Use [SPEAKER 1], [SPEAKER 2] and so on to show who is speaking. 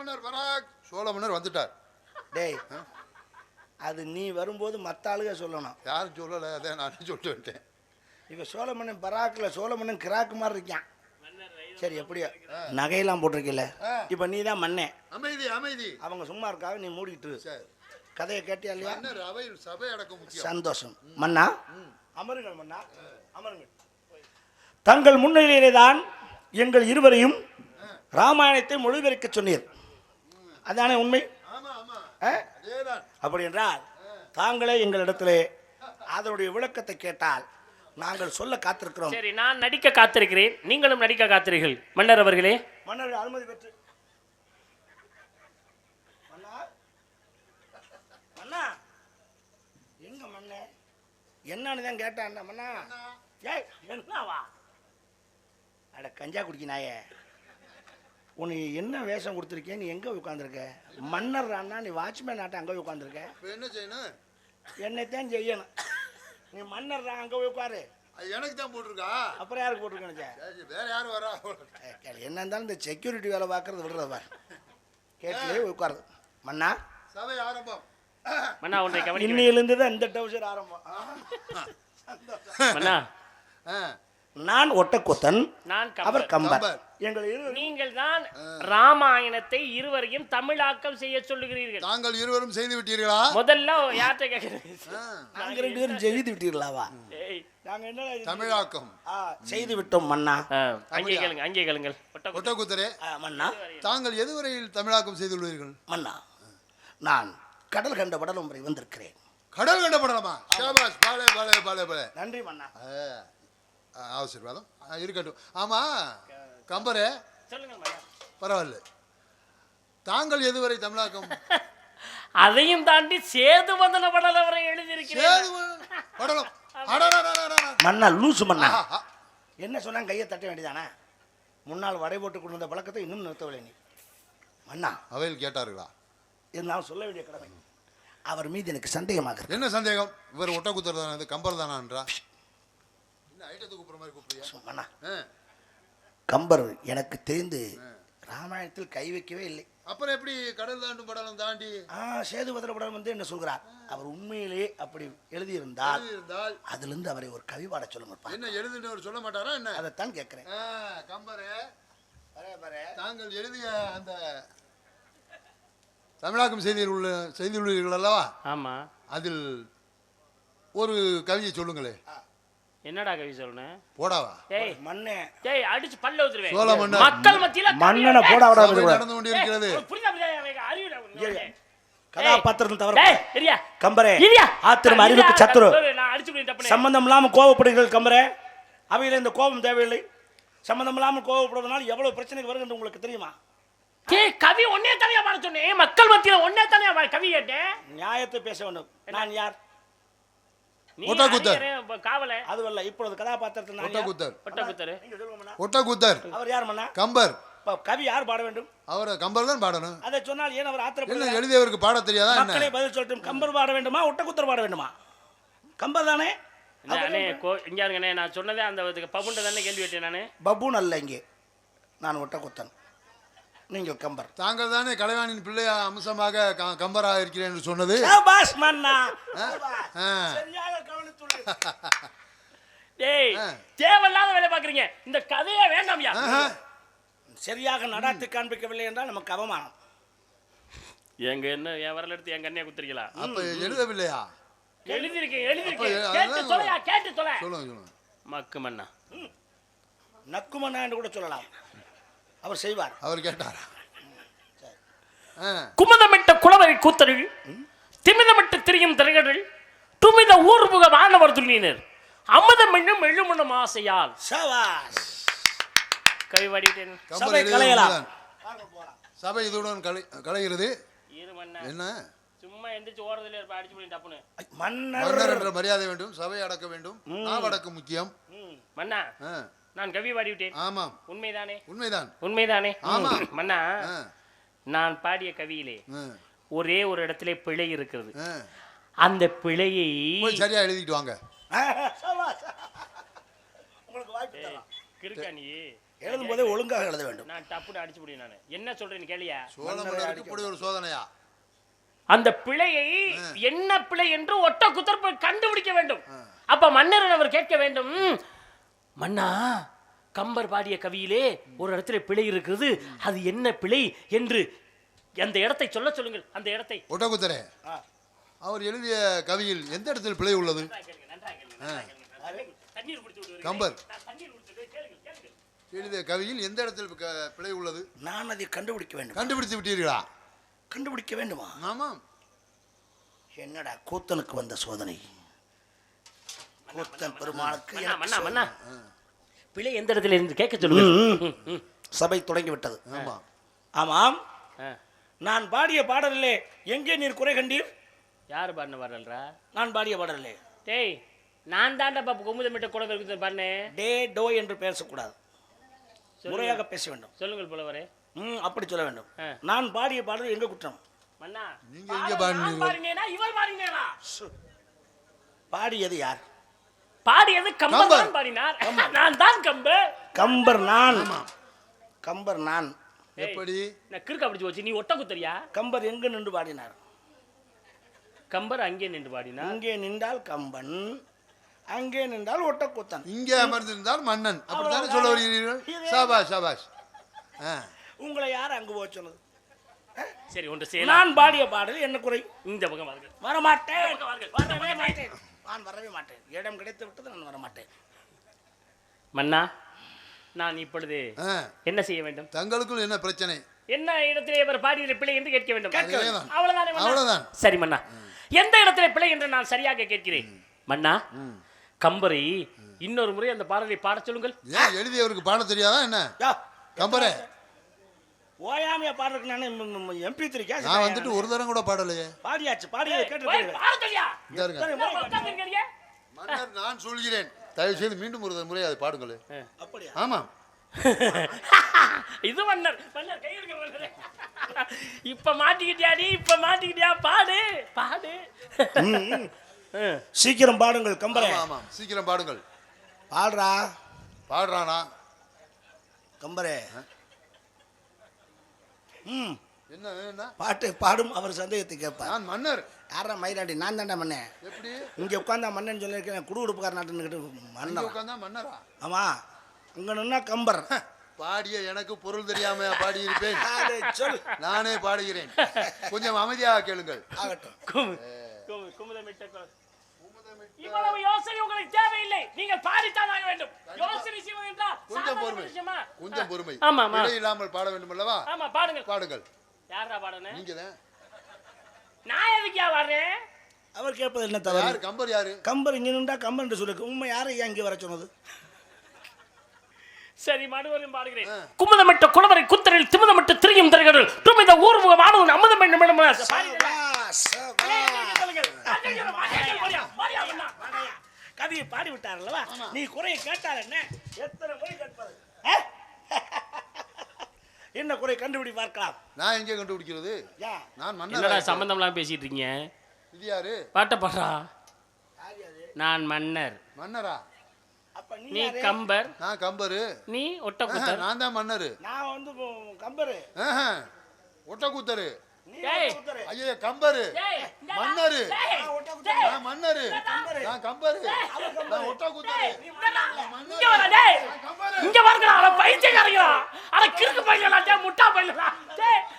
[SPEAKER 1] மன்னர் பராக், சோழ மன்னர் வந்துட்டார்.
[SPEAKER 2] டேய், அது நீ வரும்போது மற்ற ஆளுக சொல்லணும்.
[SPEAKER 1] யாரும் சொல்லலை, அதே நான் சொல்லிட்டு வந்துட்டேன்.
[SPEAKER 2] இப்போ சோழ மன்னன் பராக்கில் சோழ மன்னன் கிராக்கு மாதிரி இருக்கான். சரி, எப்படியோ நகையெல்லாம் போட்டிருக்கல. இப்போ நீ தான் மன்னே.
[SPEAKER 1] அமைதி அமைதி.
[SPEAKER 2] அவங்க சும்மா இருக்காக, நீ மூடிட்டு கதையை கேட்டியா இல்லையா?
[SPEAKER 1] அவையில் சபை அடக்க முக்கியம்.
[SPEAKER 2] சந்தோஷம். மன்னா அமருங்கள், மன்னா அமருங்கள். தங்கள் முன்னிலையிலே தான் எங்கள் இருவரையும் ராமாயணத்தை மொழிபெயர்க்க சொன்னீர், அதானே உண்மை? அப்படி என்றால் தாங்களே எங்களிடத்திலே அதனுடைய விளக்கத்தை கேட்டால் நாங்கள் சொல்ல காத்திருக்கிறோம்.
[SPEAKER 3] சரி, நான் நடிக்க காத்திருக்கிறேன், நீங்களும் நடிக்க காத்திருக்கிறீர்கள். மன்னர் அவர்களே,
[SPEAKER 2] மன்னர் அனுமதி பெற்று. மன்னா எங்க மன்ன என்னன்னு தான் கேட்டான் மன்னா. ஏய் என்னவா? அட கஞ்சா குடிக்கினாயே, உனக்கு என்ன வேஷம் கொடுத்துருக்கேன்? நீ எங்கே உட்காந்துருக்க? மன்னர் அண்ணா, நீ வாட்ச்மேன் ஆட்ட அங்கே உட்காந்துருக்க.
[SPEAKER 1] என்ன செய்யணும்?
[SPEAKER 2] என்னைத்தான் செய்யணும். நீ மன்னர் அங்கே போய் உட்காரு.
[SPEAKER 1] எனக்கு தான் போட்டிருக்கா.
[SPEAKER 2] அப்புறம் யாருக்கு போட்டிருக்கேன்?
[SPEAKER 1] வேற யாரும் வரா?
[SPEAKER 2] என்ன இருந்தாலும் இந்த செக்யூரிட்டி வேலை பார்க்கறது விடுறது பாரு. கேட்கலே உட்காருது. மன்னா
[SPEAKER 1] சபை ஆரம்பம்.
[SPEAKER 3] மன்னா ஒன்றை கவனிக்க.
[SPEAKER 2] இன்னிலிருந்து தான் இந்த டவுசர் ஆரம்பம்.
[SPEAKER 3] மன்னா,
[SPEAKER 2] நான் ஒட்டக்கூத்தன்,
[SPEAKER 3] நான்
[SPEAKER 2] அவர் கம்பர்.
[SPEAKER 3] நீங்கள் தான் ராமாயணத்தை இருவரையும் தமிழாக்கம் செய்ய சொல்லுகிறீர்கள்.
[SPEAKER 1] தாங்கள் இருவரும் செய்து விட்டீர்களா?
[SPEAKER 3] முதல்ல யார்கிட்ட கேட்கிறேன்?
[SPEAKER 2] நாங்க 2 பேரும் செய்து விட்டீர்களாவா? நாங்க என்ன
[SPEAKER 1] தமிழாக்கம்
[SPEAKER 2] செய்து விட்டோம் மன்னா.
[SPEAKER 3] அங்கே கேளுங்க, அங்கே கேளுங்கள்.
[SPEAKER 1] ஒட்டக்கூத்தரே
[SPEAKER 2] மன்னா,
[SPEAKER 1] தாங்கள் எதுவரையில் தமிழாக்கம் செய்துள்ளீர்கள்?
[SPEAKER 2] மன்னா, நான் கடல் கண்ட படலம் வரை வந்திருக்கிறேன்.
[SPEAKER 1] கடல் கண்ட படலமா? ஷாபாஷ், பாலே பாலே பாலே பாலே.
[SPEAKER 2] நன்றி மன்னா.
[SPEAKER 1] ஆசீர்வாதம் இருக்கட்டும். ஆமா கம்பரே, பரவாயில்ல, தாங்கள் எதுவரை தமிழாக்கம்?
[SPEAKER 3] அதையும் தாண்டி சேது வந்தன படலம் வரை எழுதியிருக்கிறேன்.
[SPEAKER 2] மன்னா லூசு மன்னா. என்ன சொன்னா கையை தட்ட வேண்டியதானே? முன்னால் வடை போட்டு கொண்டு வந்த பழக்கத்தை இன்னும் நிறுத்தவில்லை நீ. மன்னா
[SPEAKER 1] அவையில் கேட்டார்களா?
[SPEAKER 2] இருந்தாலும் சொல்ல வேண்டிய கடமை. அவர் மீது எனக்கு சந்தேகமாக.
[SPEAKER 1] என்ன சந்தேகம்? இவர் ஒட்டக்கூத்தர் தானே, கம்பர் தானா?
[SPEAKER 2] கம்பர் எனக்கு தெரிந்து ராமாயணத்தில் கை வைக்கவே இல்லை.
[SPEAKER 1] அப்புறம் எப்படி கடல் தாண்டும் படலம் தாண்டி
[SPEAKER 2] சேதுபதிர படம் வந்து என்ன சொல்கிறார்? அவர் உண்மையிலே அப்படி எழுதியிருந்தால் அதிலிருந்து அவரை ஒரு கவி பாட சொல்லுங்க.
[SPEAKER 1] என்ன எழுதினவர் சொல்ல மாட்டாரா என்ன?
[SPEAKER 2] அதைத்தான் கேட்கிறேன்.
[SPEAKER 1] கம்பரே, தாங்கள் எழுதிய அந்த தமிழாக்கம் செய்துள்ளீர்கள் அல்லவா?
[SPEAKER 3] ஆமா.
[SPEAKER 1] அதில் ஒரு கவியை சொல்லுங்களே.
[SPEAKER 3] என்னடா கவி சொல்லணும்?
[SPEAKER 1] போடாவா?
[SPEAKER 3] ஏய் மண்ணே, ஏய் அடிச்சு பல்ல ஊத்துறேன்.
[SPEAKER 1] சோழ மன்னர்
[SPEAKER 3] மக்கள் மத்தியில
[SPEAKER 2] மண்ணன போடா விடாத
[SPEAKER 1] நடந்து கொண்டிருக்கிறது.
[SPEAKER 3] புரியுதா? அறிவுடா
[SPEAKER 2] கதாபாத்திரம் தவிர.
[SPEAKER 3] டேய் இரியா
[SPEAKER 2] கம்பரே,
[SPEAKER 3] இரியா
[SPEAKER 2] ஆத்திரம் அறிவுக்கு சத்துரு.
[SPEAKER 3] நான் அடிச்சு போய் தப்பனே.
[SPEAKER 2] சம்பந்தம் இல்லாம கோவப்படுகிறீர்கள் கம்பரே. அவையில இந்த கோபம் தேவையில்லை. சம்பந்தம் இல்லாம கோவப்படுவதனால எவ்வளவு பிரச்சனைக்கு வருகிறது உங்களுக்கு தெரியுமா?
[SPEAKER 3] ஏய் கவி ஒண்ணே தனியா பாட சொன்னேன். மக்கள் மத்தியில ஒண்ணே தனியா கவி கேட்டேன்.
[SPEAKER 2] நியாயத்தை பேச வேண்டும். நான் யார்?
[SPEAKER 1] ஒட்டக்கூத்தர்.
[SPEAKER 3] காவல
[SPEAKER 2] அதுவல்ல, இப்பொழுது கதாபாத்திரத்தை நான்
[SPEAKER 1] ஒட்டக்கூத்தர்.
[SPEAKER 3] ஒட்டக்கூத்தர்.
[SPEAKER 2] நீங்க சொல்லுங்க.
[SPEAKER 1] ஒட்டக்கூத்தர்
[SPEAKER 2] அவர் யார் மன்னா?
[SPEAKER 1] கம்பர்.
[SPEAKER 2] கவி யார் பாட வேண்டும்?
[SPEAKER 1] அவர் கம்பர் தான் பாடணும்.
[SPEAKER 2] அதை சொன்னால் ஏன் அவர்
[SPEAKER 1] ஆத்திரப்படுகிறார்? எழுதியவருக்கு பாட தெரியாதா என்ன?
[SPEAKER 2] மக்களே பதில் சொல்லட்டும். கம்பர் பாட வேண்டுமா ஒட்டக்கூத்தர் பாட வேண்டுமா? கம்பர் தானே.
[SPEAKER 3] அண்ணே இங்க இருங்கண்ணே, நான் சொன்னதே அந்த பபுண்ட தானே கேள்வி கேட்டேன் நானு.
[SPEAKER 2] பபுன் அல்ல, இங்கே நான் ஒட்டக்கூத்தன், நீங்கள் கம்பர்.
[SPEAKER 1] தாங்கள் தானே கலைவாணியின் பிள்ளை அம்சமாக கம்பராக இருக்கிறேன் என்று சொன்னது.
[SPEAKER 2] சபாஷ் மன்னா. சரியாக கவனித்துள்ளீர்.
[SPEAKER 3] டேய் தேவையில்லாத வேலை பாக்குறீங்க. இந்த கதையே வேண்டாம்யா.
[SPEAKER 2] சரியாக நடாத்தி காண்பிக்கவில்லை என்றால் நமக்கு அவமானம்.
[SPEAKER 3] எங்க என்ன என் வரல எடுத்து என் கண்ணையை குத்துறீங்களா?
[SPEAKER 1] அப்ப எழுதவில்லையா?
[SPEAKER 3] எழுதிருக்கேன். கேட்டு தொலையா, கேட்டு தொலை.
[SPEAKER 1] சொல்லுங்க.
[SPEAKER 3] மக்கு மன்னா,
[SPEAKER 2] நக்கு மன்னா என்று கூட சொல்லலாம். அவர் செய்வார்.
[SPEAKER 1] அவர் கேட்டாரா?
[SPEAKER 3] குமுதமிட்ட குளவரை கூத்தர்கள், திமிதமிட்டு திரியும் திரைகள், துமித ஊர்புக வானவர் துள்ளினர், அமுதம் என்னும் எழுமணும் ஆசையால்.
[SPEAKER 2] சபாஷ்.
[SPEAKER 3] கவி பாடிட்டேன்.
[SPEAKER 2] சபை கலையலாம்.
[SPEAKER 1] சபை இதுடன் கலைகிறது. என்ன
[SPEAKER 3] சும்மா எந்திரிச்சு ஓரத்துல இருப்ப அடிச்சு போய் டப்புனு.
[SPEAKER 1] மன்னர் என்ற மரியாதை வேண்டும். சபை அடக்க வேண்டும். நாவடக்கு முக்கியம்.
[SPEAKER 3] மன்னா, நான் கவி பாடிவிட்டேன்.
[SPEAKER 1] ஆமாம்.
[SPEAKER 3] உண்மைதானே?
[SPEAKER 1] உண்மைதான்.
[SPEAKER 3] உண்மைதானே?
[SPEAKER 1] ஆமா.
[SPEAKER 3] மன்னா, நான் பாடிய கவியிலே ஒரே ஒரு இடத்துல பிழை இருக்கிறது. அந்த பிழையை
[SPEAKER 1] சரியா எழுதிட்டு வாங்க.
[SPEAKER 2] உங்களுக்கு வாய்ப்பு தரலாம்.
[SPEAKER 3] கிறுக்கா நீ?
[SPEAKER 2] எழுதும் போதே ஒழுங்காக எழுத வேண்டும்.
[SPEAKER 3] நான் டப்புன்னு அடிச்சு முடியும். நான் என்ன சொல்றேன்னு கேளியா?
[SPEAKER 1] சோழ மன்னருக்கு இப்படி ஒரு சோதனையா?
[SPEAKER 3] அந்த பிழையை என்ன பிழை என்று ஒட்ட குத்தர் போய் கண்டுபிடிக்க வேண்டும். அப்ப மன்னர் அவர் கேட்க வேண்டும், மன்னா கம்பர் பாடிய கவியிலே ஒரு இடத்துல பிழை இருக்குது, அது என்ன பிழை என்று அந்த இடத்தை சொல்ல சொல்லுங்கள். அந்த இடத்தை
[SPEAKER 1] ஒட்டக்குத்தரே, அவர் எழுதிய கவியில் எந்த இடத்தில் பிழை உள்ளது? கம்பர் எழுதிய கவியில் எந்த இடத்தில் பிழை உள்ளது?
[SPEAKER 2] நான் அதை கண்டுபிடிக்க வேண்டும்.
[SPEAKER 1] கண்டுபிடித்து விட்டீர்களா?
[SPEAKER 2] கண்டுபிடிக்க வேண்டுமா?
[SPEAKER 1] ஆமாம்.
[SPEAKER 2] என்னடா கூத்தனுக்கு வந்த சோதனை. கூத்தன் பெருமாளுக்கு
[SPEAKER 3] மன்னா பிழை எந்த இடத்துல இருந்து கேட்க சொல்லுங்க.
[SPEAKER 2] சபை தொடங்கி விட்டது.
[SPEAKER 1] ஆமாம்.
[SPEAKER 2] ஆமாம். நான் பாடிய பாடலிலே எங்கே நீர் குறை கண்டீர்?
[SPEAKER 3] யாரு பாடின பாடல்ரா?
[SPEAKER 2] நான் பாடிய பாடலிலே.
[SPEAKER 3] டேய், நான் தாண்டா பாப்பு குமுதமிட்ட கூட இருக்குது பாடினேன்.
[SPEAKER 2] டே டோ என்று பேசக்கூடாது, முறையாக பேச வேண்டும்.
[SPEAKER 3] சொல்லுங்கள் புலவரே.
[SPEAKER 2] அப்படி சொல்ல வேண்டும். நான் பாடிய பாடல் எங்க குற்றம்?
[SPEAKER 3] மன்னா
[SPEAKER 1] நீங்க எங்க பாடினீங்க?
[SPEAKER 3] இவர் பாடினேனா?
[SPEAKER 2] பாடியது யார்?
[SPEAKER 3] பாடியது கம்பர் தான் பாடினார். நான் தான் கம்பர்.
[SPEAKER 2] கம்பர் நான். கம்பர் நான்.
[SPEAKER 3] எப்படி? நான் கிறுக்க பிடிச்சு வச்சு நீ ஒட்ட குத்தறியா?
[SPEAKER 2] கம்பர் எங்க நின்று பாடினார்?
[SPEAKER 3] கம்பர் அங்கே நின்று பாடினார்.
[SPEAKER 2] இங்கே நின்றால் கம்பன், அங்கே நின்றால் ஒட்டக்கூத்தன்.
[SPEAKER 1] இங்கே அமர்ந்திருந்தால் மன்னன். அப்படித்தானே சொல்ல வருகிறீர்கள்? சாபாஷ் சாபாஷ்.
[SPEAKER 2] உங்களை யார் அங்கு போக சொன்னது?
[SPEAKER 3] சரி, ஒன்று செய்யலாம்.
[SPEAKER 2] நான் பாடிய பாடல் என்ன குறை?
[SPEAKER 3] இந்த பக்கம் வாருங்கள்.
[SPEAKER 2] வரமாட்டேன். வரவே மாட்டேன். நான் வரவே மாட்டேன். இடம் கிடைத்து விட்டது, நான் வரமாட்டேன்.
[SPEAKER 3] மன்னா, நான் இப்பொழுது என்ன செய்ய வேண்டும்?
[SPEAKER 1] தங்களுக்குள் என்ன பிரச்சனை?
[SPEAKER 3] என்ன இடத்திலே இவர் பாடிய பிழை என்று கேட்க வேண்டும்.
[SPEAKER 1] அவ்வளவுதான்.
[SPEAKER 3] சரி மன்னா, எந்த இடத்திலே பிழை என்று நான் சரியாக கேட்கிறேன். மன்னா, கம்பரை இன்னொரு முறை அந்த பாடலை பாட சொல்லுங்கள்.
[SPEAKER 1] ஏன் எழுதியவருக்கு பாட தெரியாதா என்ன? கம்பரே
[SPEAKER 2] ஓயாமையா பாடுறதுக்கு நான் MP3 கேஸ்
[SPEAKER 1] நான் வந்துட்டு ஒரு தரம் கூட பாடலையே.
[SPEAKER 2] பாடியாச்சு. பாடியதை கேட்டு
[SPEAKER 1] மன்னர், நான் சொல்கிறேன், தயவு செய்து மீண்டும் ஒரு முறை அதை பாடுங்களே.
[SPEAKER 2] அப்படியா?
[SPEAKER 1] ஆமாம்.
[SPEAKER 3] இது மன்னர் மன்னர் கையெழுத்து. இப்ப மாட்டிக்கிட்டியாடி, இப்ப மாட்டிக்கிட்டியா? பாடு பாடு.
[SPEAKER 2] சீக்கிரம் பாடுங்கள் கம்பரே.
[SPEAKER 1] ஆமாம், சீக்கிரம் பாடுங்கள்.
[SPEAKER 2] பாடுறா.
[SPEAKER 1] பாடுறானா
[SPEAKER 2] கம்பரே?
[SPEAKER 1] என்ன என்ன
[SPEAKER 2] பாட்டு பாடும். அவர் சந்தேகத்தை கேட்பார்.
[SPEAKER 1] நான் மன்னர்.
[SPEAKER 2] யாரா மயிலாண்டி? நான் தாண்டா மன்னன்.
[SPEAKER 1] எப்படி
[SPEAKER 2] இங்க உட்காந்தா மன்னன் சொல்லியிருக்கேன். குடு உடுப்புக்கார நாட்டுன்னு மன்னர்
[SPEAKER 1] உட்காந்தா மன்னரா?
[SPEAKER 2] ஆமா, அங்க நின்னா கம்பர்.
[SPEAKER 1] பாடிய எனக்கு பொருள் தெரியாம பாடியிருப்பேன்.
[SPEAKER 2] சொல்,
[SPEAKER 1] நானே பாடுகிறேன். கொஞ்சம் அமைதியாக கேளுங்கள்.
[SPEAKER 2] ஆகட்டும்.
[SPEAKER 3] இவ்வளவு யோசனை உங்களுக்கு தேவையில்லை. நீங்கள் பாடித்தான் ஆக வேண்டும். யோசனை செய்வது என்றால்
[SPEAKER 1] கொஞ்சம் பொறுமை, கொஞ்சம் பொறுமை.
[SPEAKER 3] ஆமா,
[SPEAKER 1] பிழை இல்லாமல் பாட வேண்டும் அல்லவா?
[SPEAKER 3] ஆமா, பாடுங்கள்.
[SPEAKER 1] பாடுங்கள்.
[SPEAKER 3] யாரா பாடணும்?
[SPEAKER 1] நீங்க தான்.
[SPEAKER 3] நான் எதுக்கியா வர்றேன்?
[SPEAKER 2] அவர் கேட்பது என்ன தவறு?
[SPEAKER 1] யார் கம்பர்? யாரு
[SPEAKER 2] கம்பர்? இங்க நின்றா கம்பர் என்று சொல்லுங்க. உண்மை யாரை ஏன் இங்கே வர சொன்னது?
[SPEAKER 3] சரி, மறுபடியும் பாடுகிறேன். குமுதமிட்ட குளவரை குத்தரில் திமுதமிட்டு திரியும் தருகிறல் துமித ஊர்முகமானவன் அமுதம் என்னும்
[SPEAKER 2] கவியை பாடி விட்டார். நீ குறையை கேட்டால் என்ன? எத்தனை முறை கேட்பது? என்ன குறை கண்டுபிடி பார்க்கலாம்.
[SPEAKER 1] நான் எங்கே கண்டுபிடிக்கிறது? நான்
[SPEAKER 3] மன்னர். சம்பந்தம்லாம் பேசிட்டு இருக்கீங்க.
[SPEAKER 1] இது யாரு?
[SPEAKER 3] பாட்ட பாடுறா. நான் மன்னர்.
[SPEAKER 1] மன்னரா?
[SPEAKER 3] நீ கம்பர்.
[SPEAKER 1] நான் கம்பரு.
[SPEAKER 3] நீ ஒட்டக்கூத்தர்.
[SPEAKER 1] நான் தான் மன்னரு.
[SPEAKER 2] நான் வந்து கம்பரு.
[SPEAKER 1] ஒட்டக்கூத்தரு. ஐயா கம்பரு. மன்னரு. நான் மன்னரு. நான் கம்பரு. நான் ஒட்டக்கூத்தரு.
[SPEAKER 3] இங்க வரங்கடா. அட பைத்தியக்காரங்களா. அட கிறுக்கு பையலடா. டேய் முட்டா பையலடா. டேய்